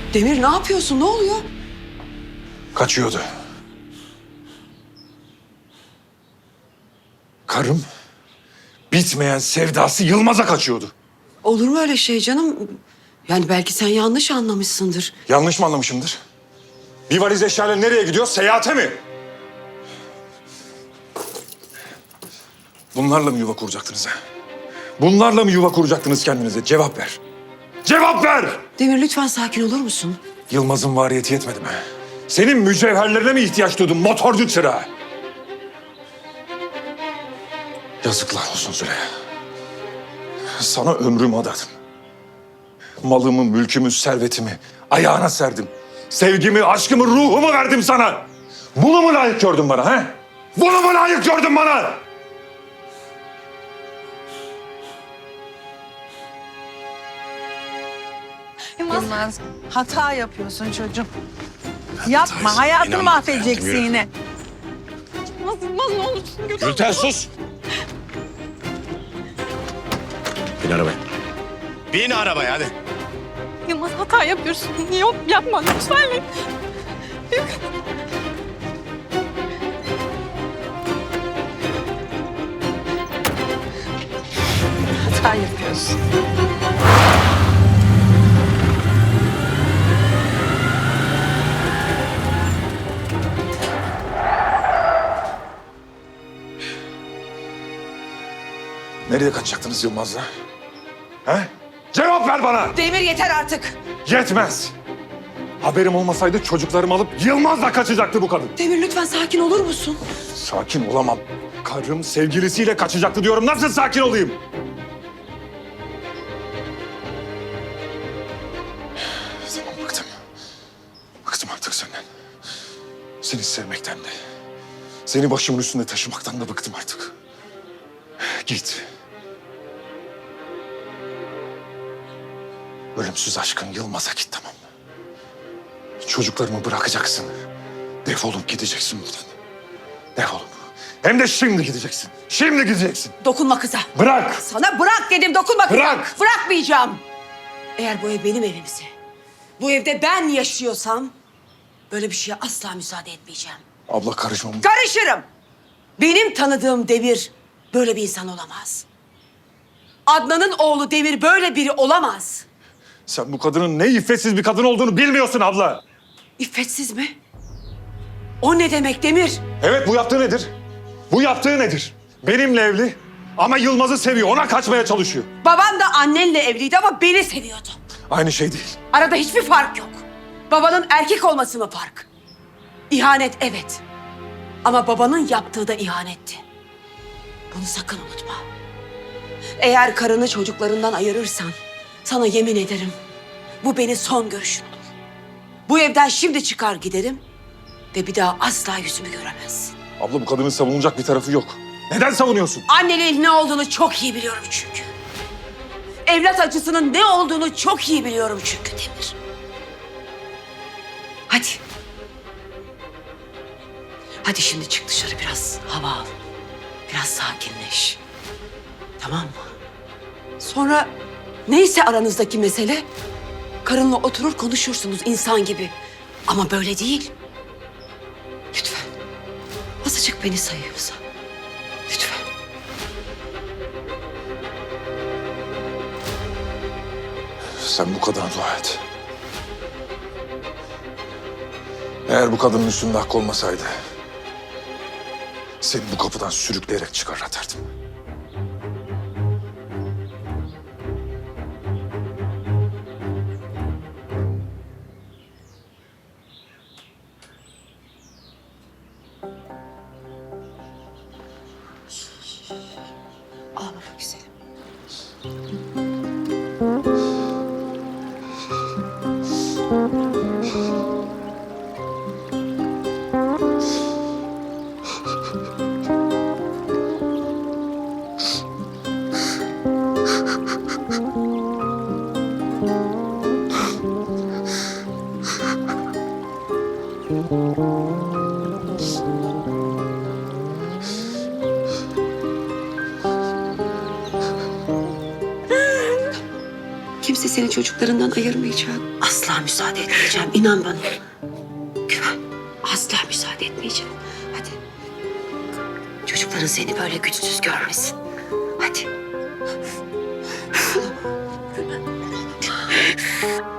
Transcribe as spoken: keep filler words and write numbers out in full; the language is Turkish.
Demir ne yapıyorsun? Ne oluyor? Kaçıyordu. Karım bitmeyen sevdası Yılmaz'a kaçıyordu. Olur mu öyle şey canım? Yani belki sen yanlış anlamışsındır. Yanlış mı anlamışımdır? Bir valiz eşyayla nereye gidiyor? Seyahate mi? Bunlarla mı yuva kuracaktınız ha? Bunlarla mı yuva kuracaktınız kendinize? Cevap ver. Cevap ver! Demir lütfen sakin olur musun? Yılmaz'ın variyeti yetmedi mi? Senin mücevherlerine mi ihtiyaç duydun motorcu çırağı? Yazıklar olsun Züleyha. Sana ömrümü adadım. Malımı, mülkümü, servetimi ayağına serdim. Sevgimi, aşkımı, ruhumu verdim sana. Bunu mu layık gördün bana he? Bunu mu layık gördün bana? Yılmaz, hata yapıyorsun çocuğum. Yapma, hayatını mahvedeceksin yine. Yılmaz, Yılmaz ne olursun götür. Gülten sus! Bin arabaya. Bin arabaya hadi. Yılmaz hata yapıyorsun. Yok yapma lütfen. Hata yapıyorsun. Nereye kaçacaktınız Yılmaz'la? He? Cevap ver bana! Demir yeter artık. Yetmez! Haberim olmasaydı çocuklarımı alıp Yılmaz'la kaçacaktı bu kadın. Demir lütfen sakin olur musun? Sakin olamam. Karım sevgilisiyle kaçacaktı diyorum. Nasıl sakin olayım? Tamam bıktım. Bıktım artık senden. Seni sevmekten de. Seni başımın üstünde taşımaktan da bıktım artık. Git. Ölümsüz aşkın Yılmaz'a git tamam mı? Çocuklarımı bırakacaksın. Defolup gideceksin buradan. Defolup. Hem de şimdi gideceksin. Şimdi gideceksin. Dokunma kıza. Bırak. Sana bırak dedim, dokunma kıza. Bırak. Bırakmayacağım. Eğer bu ev benim evimse, bu evde ben yaşıyorsam böyle bir şeye asla müsaade etmeyeceğim. Abla karışma. Karışırım. Benim tanıdığım Demir böyle bir insan olamaz. Adnan'ın oğlu Demir böyle biri olamaz. Sen bu kadının ne iffetsiz bir kadın olduğunu bilmiyorsun abla. İffetsiz mi? O ne demek Demir? Evet bu yaptığı nedir? Bu yaptığı nedir? Benimle evli ama Yılmaz'ı seviyor. Ona kaçmaya çalışıyor. Baban da annenle evliydi ama beni seviyordu. Aynı şey değil. Arada hiçbir fark yok. Babanın erkek olması mı fark? İhanet evet. Ama babanın yaptığı da ihanetti. Bunu sakın unutma. Eğer karını çocuklarından ayırırsan sana yemin ederim bu benim son görüşüm olur. Bu evden şimdi çıkar giderim ve bir daha asla yüzümü göremezsin. Abla bu kadının savunulacak bir tarafı yok. Neden savunuyorsun? Anneliğin ne olduğunu çok iyi biliyorum çünkü. Evlat acısının ne olduğunu çok iyi biliyorum çünkü Demir. Hadi. Hadi şimdi çık dışarı biraz hava al. Biraz sakinleş. Tamam mı? Sonra neyse aranızdaki mesele karınla oturur konuşursunuz insan gibi. Ama böyle değil. Lütfen. Azıcık beni sayıyorsa. Lütfen. Sen bu kadına dua et. Eğer bu kadının üstünde hakkı olmasaydı seni bu kapıdan sürükleyerek çıkar atardım. Ağlama güzelim. kimse seni çocuklarından ayırmayacak. Asla müsaade etmeyeceğim. İnan bana. Güven. Asla müsaade etmeyeceğim. Hadi. Çocukların seni böyle güçsüz görmesin. Hadi.